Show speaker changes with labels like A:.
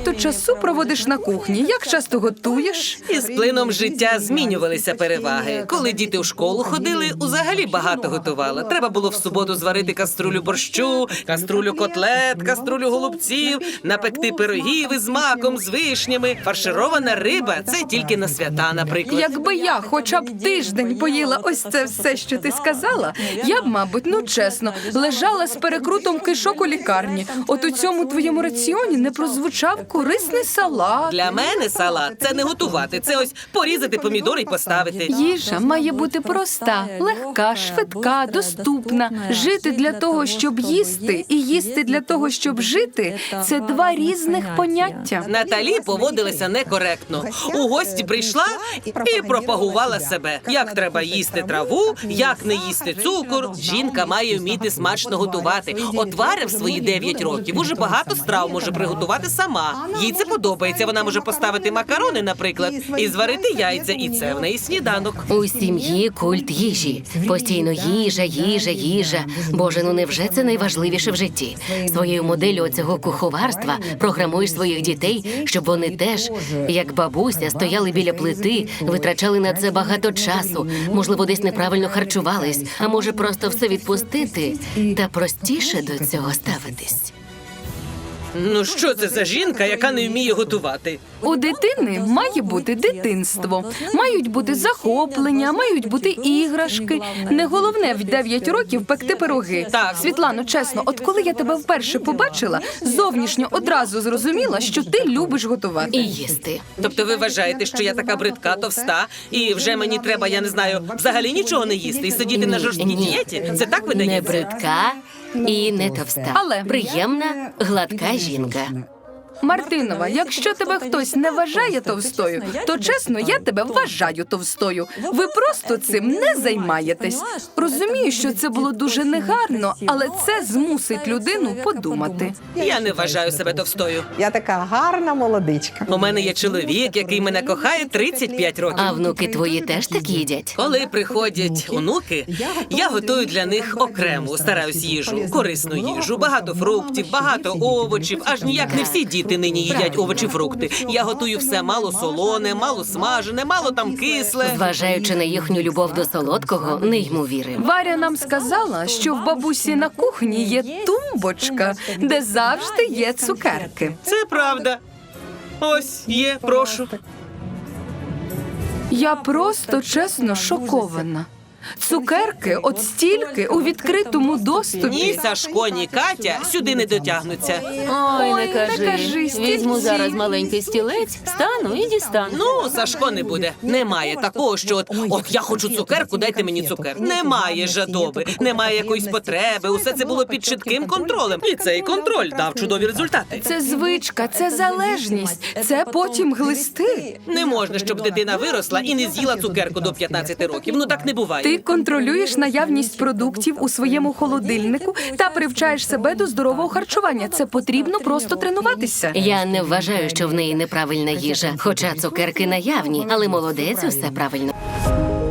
A: багато часу проводиш на кухні. Як часто готуєш?
B: Із плином життя змінювалися переваги. Коли діти в школу ходили, взагалі багато готувала. Треба було в суботу зварити каструлю борщу, каструлю котлет, каструлю голубців, напекти пирогів із маком, з вишнями. Фарширована риба – це тільки на свята, наприклад.
A: Якби я хоча б тиждень поїла ось це все, що ти сказала, я б, мабуть, чесно, лежала з перекрутом кишок у лікарні. От у цьому твоєму раціоні не прозвучав корисний салат.
B: Для мене салат – це не готувати, це ось порізати помідори і поставити.
A: Їжа має бути проста, легка, швидка, доступна. Жити для того, щоб їсти, і їсти для того, щоб жити – це два різних поняття.
B: Наталі поводилася некоректно. У гості прийшла і пропагувала себе. Як треба їсти траву, як не їсти цукор. Жінка має вміти смачно готувати. От Варя в свої 9 років уже багато страв може приготувати сама. Їй це подобається. Вона може поставити макарони, наприклад, і зварити яйця. І це в неї сніданок.
C: У сім'ї культ їжі. Постійно їжа, їжа, їжа. Боже, ну невже це найважливіше в житті? Своєю моделлю цього куховарства програмуєш своїх дітей, щоб вони теж, як бабуся, стояли біля плити, витрачали на це багато часу, можливо, десь неправильно харчувались, а може просто все відпустити та простіше до цього ставитись.
B: Ну що це за жінка, яка не вміє готувати?
A: У дитини має бути дитинство, мають бути захоплення, мають бути іграшки. Не головне в 9 років пекти пироги.
B: Так.
A: Світлано, чесно, от коли я тебе вперше побачила, зовнішньо одразу зрозуміла, що ти любиш готувати.
C: І їсти.
B: Тобто ви вважаєте, що я така бридка, товста, і вже мені треба, я не знаю, взагалі нічого не їсти і сидіти на жорсткій дієті? Це так
C: Не
B: видається?
C: бридка і не товста.
A: Але
C: приємна, гладка жінка.
A: Мартинова, якщо тебе хтось не вважає товстою, то чесно, я тебе вважаю товстою. Ви просто цим не займаєтесь. Розумію, що це було дуже негарно, але це змусить людину подумати.
B: Я не вважаю себе товстою.
D: Я така гарна молодичка.
B: У мене є чоловік, який мене кохає 35 років.
C: А внуки твої теж так їдять?
B: Коли приходять онуки, я готую для них окрему, стараюсь їжу, корисну їжу, багато фруктів, багато овочів, аж ніяк не всі діти нині їдять овочі, фрукти. Я готую все мало солоне, мало смажене, мало там кисле.
C: Зважаючи на їхню любов до солодкого, не йму віри.
A: Варя нам сказала, що в бабусі на кухні є тумбочка, де завжди є цукерки.
B: Це правда. Ось є, прошу.
A: Я просто, чесно, шокована. Цукерки от стільки у відкритому доступі.
B: Ні Сашко, ні Катя сюди не дотягнуться.
C: Ой,
A: не кажи,
C: Візьму
A: стільці.
C: зараз маленький стілець, стану і дістану.
B: Ну, Сашко не буде. Немає такого, що от я хочу цукерку, дайте мені цукерку. Немає жадоби, немає якоїсь потреби. Усе це було під чітким контролем. І цей контроль дав чудові результати.
A: Це звичка, це залежність, це потім глисти.
B: Не можна, щоб дитина виросла і не з'їла цукерку до 15 років. Ну так не буває.
A: Ти контролюєш наявність продуктів у своєму холодильнику та привчаєш себе до здорового харчування. Це потрібно просто тренуватися.
C: Я не вважаю, що в неї неправильна їжа, хоча цукерки наявні, але молодець, усе правильно.